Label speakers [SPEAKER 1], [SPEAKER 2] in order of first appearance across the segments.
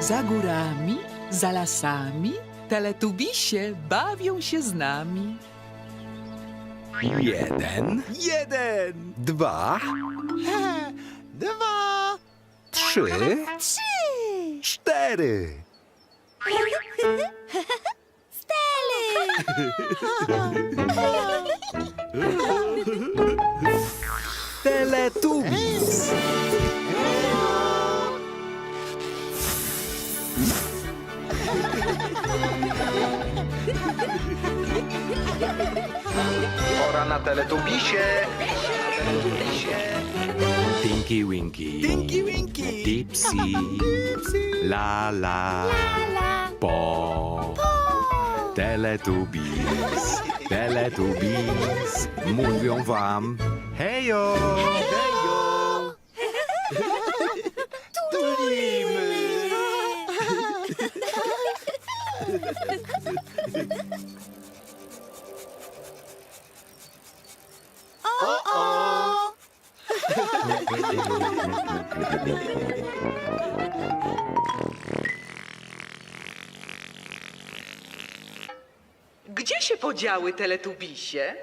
[SPEAKER 1] Za górami, za lasami, teletubisie bawią się z nami.
[SPEAKER 2] 1,
[SPEAKER 3] 1,
[SPEAKER 2] 2,
[SPEAKER 3] 2,
[SPEAKER 2] 3, 4.
[SPEAKER 1] Teletubis.
[SPEAKER 2] Pora na teletubisie. Tinky Winky.
[SPEAKER 3] Tinky Winky,
[SPEAKER 2] Dipsy. La la. Po. Teletubis. Teletubis. Mówią wam hejo.
[SPEAKER 3] hejo, tulimy. O!
[SPEAKER 1] Gdzie się podziały teletubisie?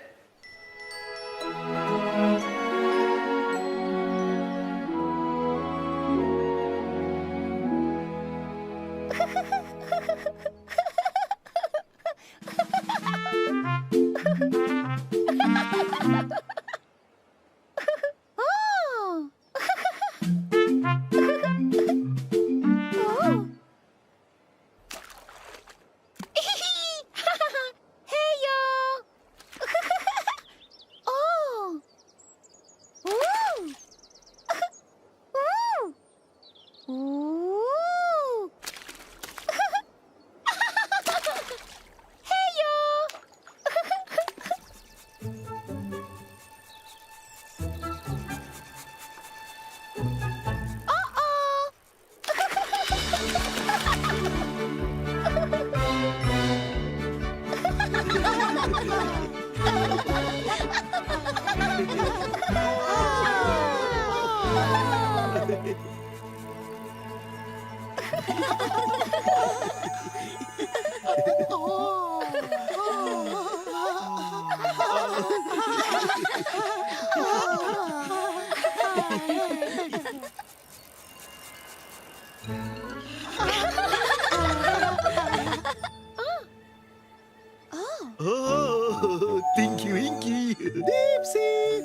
[SPEAKER 3] O, Tinky Winky, Dipsy.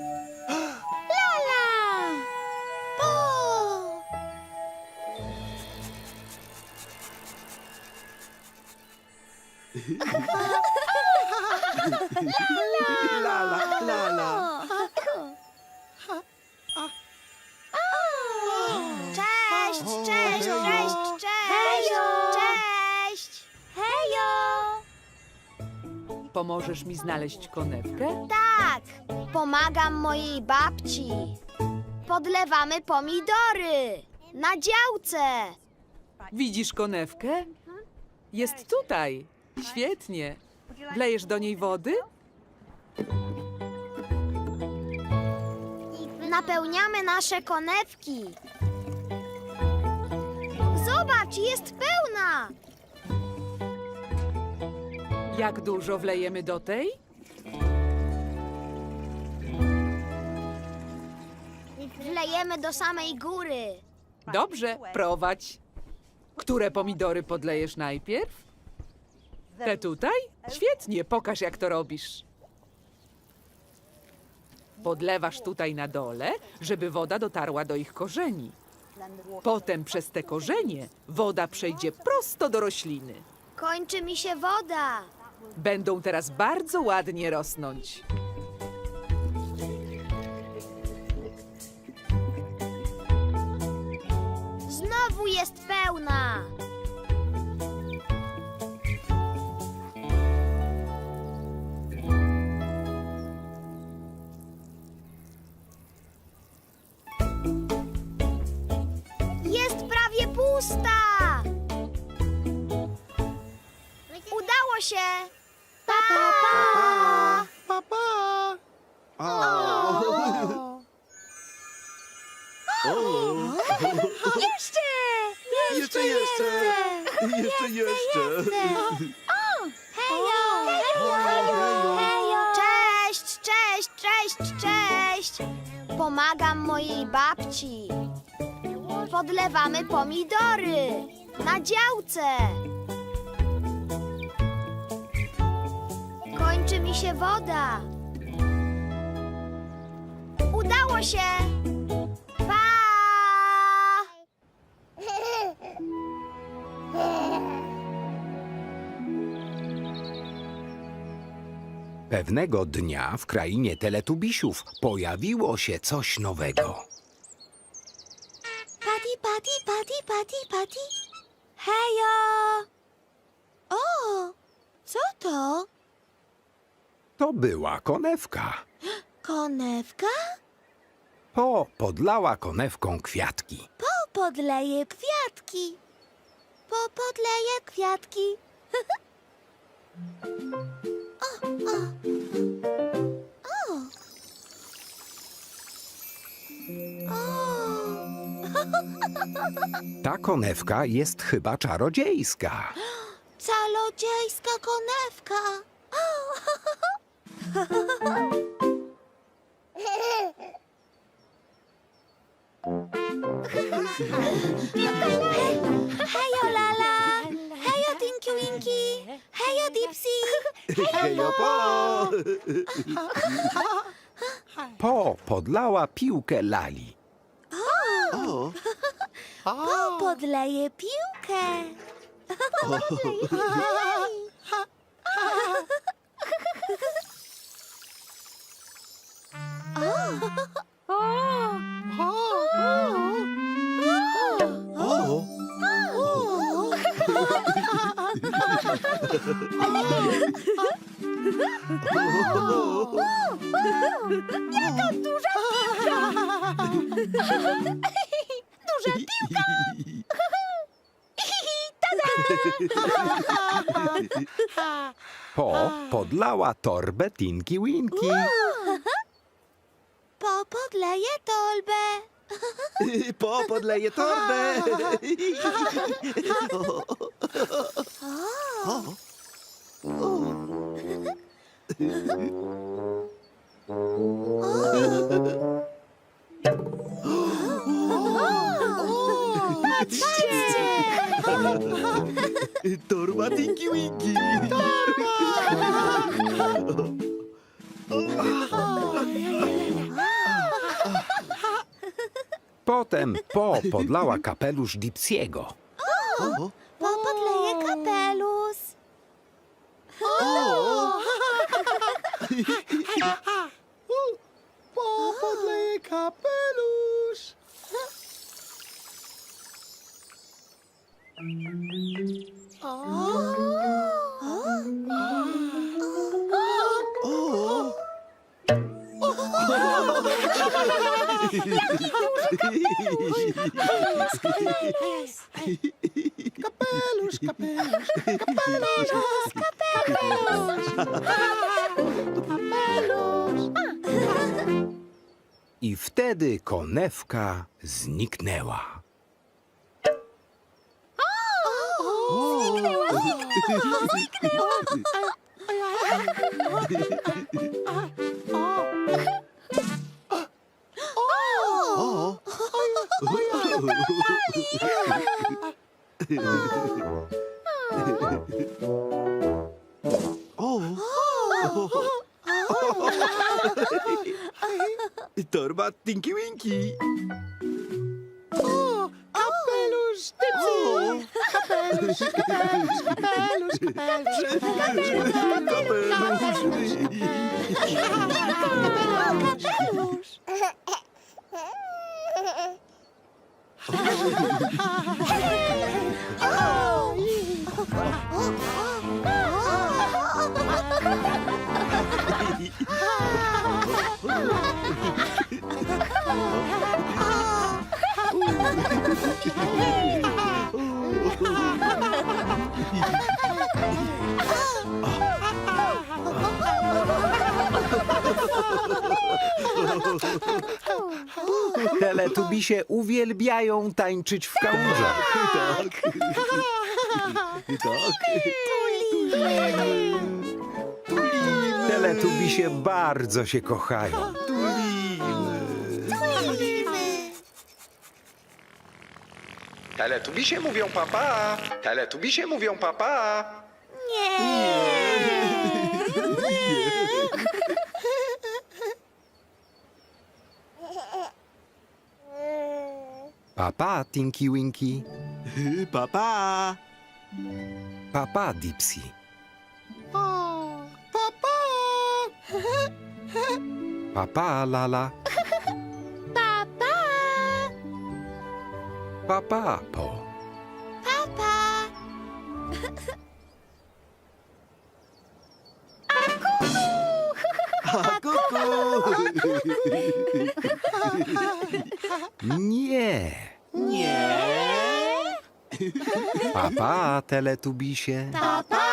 [SPEAKER 3] La la la la.
[SPEAKER 4] Cześć, cześć, cześć, cześć! Cześć! Hejo!
[SPEAKER 1] Pomożesz mi znaleźć konewkę?
[SPEAKER 4] Tak, pomagam mojej babci. Podlewamy pomidory na działce.
[SPEAKER 1] Widzisz konewkę? Jest tutaj. Świetnie. Wlejesz do niej wody?
[SPEAKER 4] Napełniamy nasze konewki. Zobacz, jest pełna.
[SPEAKER 1] Jak dużo wlejemy do tej?
[SPEAKER 4] Wlejemy do samej góry.
[SPEAKER 1] Dobrze, prowadź. Które pomidory podlejesz najpierw? Te tutaj? Świetnie, pokaż jak to robisz. Podlewasz tutaj na dole, żeby woda dotarła do ich korzeni. Potem przez te korzenie woda przejdzie prosto do rośliny.
[SPEAKER 4] Kończy mi się woda.
[SPEAKER 1] Będą teraz bardzo ładnie rosnąć.
[SPEAKER 4] Znowu jest pełna. Jest prawie pusta. Udało się. Pa, pa.
[SPEAKER 3] Pa, pa. O.
[SPEAKER 4] Jeszcze!
[SPEAKER 3] Jeszcze.
[SPEAKER 4] Cześć! Pomagam mojej babci. Podlewamy pomidory na działce. Kończy mi się woda. Udało się! Pa!
[SPEAKER 2] Pewnego dnia w krainie Teletubisiów pojawiło się coś nowego.
[SPEAKER 4] Pati. Hejo! O, co to?
[SPEAKER 2] To była konewka.
[SPEAKER 4] Konewka?
[SPEAKER 2] Po podlała konewką kwiatki.
[SPEAKER 4] Podleję kwiatki. Podleję kwiatki.
[SPEAKER 2] Ta konewka jest chyba czarodziejska.
[SPEAKER 4] Czarodziejska konewka. Hejo Lala. Hejo Tinky Winky. Hejo Dipsy.
[SPEAKER 3] Hejo, po!
[SPEAKER 2] Po podlała piłkę Lali.
[SPEAKER 4] Podleję piłkę.
[SPEAKER 3] O!
[SPEAKER 4] Duża piłka.
[SPEAKER 2] Po podlała torbę Tinky Winky.
[SPEAKER 4] Podleję torbę.
[SPEAKER 3] Po podleję torbę. Torba Tinky Winky.
[SPEAKER 2] Potem Po podlała kapelusz Dipsiego.
[SPEAKER 4] Podleję kapelusz.
[SPEAKER 3] Po podleję kapelusz. Kapelusz.
[SPEAKER 2] I wtedy konewka zniknęła.
[SPEAKER 3] Torba Tinky Winky. Kapelusz Dipsy.
[SPEAKER 2] Teletubisie uwielbiają tańczyć w kałużach.
[SPEAKER 3] Tak.
[SPEAKER 2] Teletubisie bardzo się kochają. Teletubisie mówią papa. Teletubisie mówią papa. Papa, Tinky Winky.
[SPEAKER 3] Papa.
[SPEAKER 2] Papa, Dipsy.
[SPEAKER 3] Papa.
[SPEAKER 2] Papa, Lala.
[SPEAKER 4] Papa,
[SPEAKER 2] Papa, Po.
[SPEAKER 4] papa.
[SPEAKER 3] A kuku.
[SPEAKER 2] Nie. Papa, Teletubisie.
[SPEAKER 4] Papa.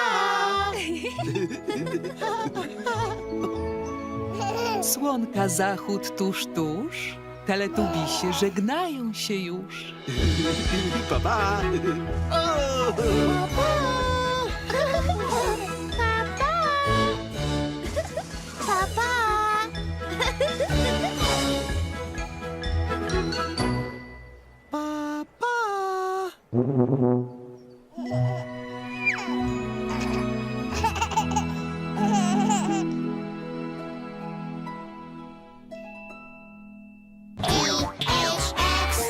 [SPEAKER 1] Słonka zachód tuż. Teletubisie żegnają się już.
[SPEAKER 3] Papa.
[SPEAKER 4] Papa.
[SPEAKER 3] Papa.